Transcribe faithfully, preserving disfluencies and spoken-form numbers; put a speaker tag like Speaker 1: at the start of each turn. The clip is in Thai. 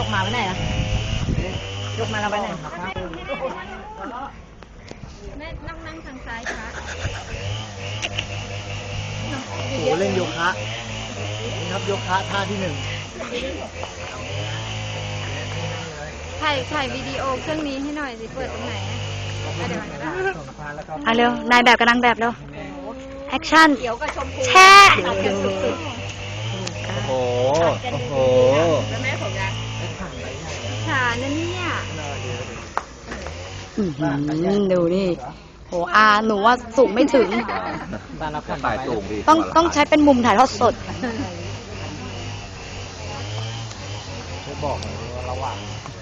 Speaker 1: กมาไว้ไหนล่ะยกมาเราไว้ไหน
Speaker 2: แม่นั่งนั่งทางซ้ายค่ะ
Speaker 3: โอ้โหเล่นโยคะนี่ครับโยคะท่าที่หนึ่ง
Speaker 2: ถ่ายถ่ายวิดีโอเครื่องนี้ให้หน่อยสิเปิดตรงไหนเดี๋ยวก็ได้
Speaker 4: เอาเร็วนายแบบกับนางแบบเร็วแอคชั่น
Speaker 1: เขียวกับชมพู
Speaker 4: แช่
Speaker 1: ตัดกันสุด
Speaker 3: โอ้โหโอ้โห
Speaker 1: ๆแล้วแม่ผมยัง
Speaker 2: ขานั่นเนี่ย
Speaker 4: อื้อหือดูนี่โหอาหนูว่าสูงไม่ถึง
Speaker 3: ถ่ายสูงดี
Speaker 4: ต้องต้องใช้เป็นมุมถ่ายทอดสด
Speaker 3: ช่วยบอกหน่อยว่าระหว่าง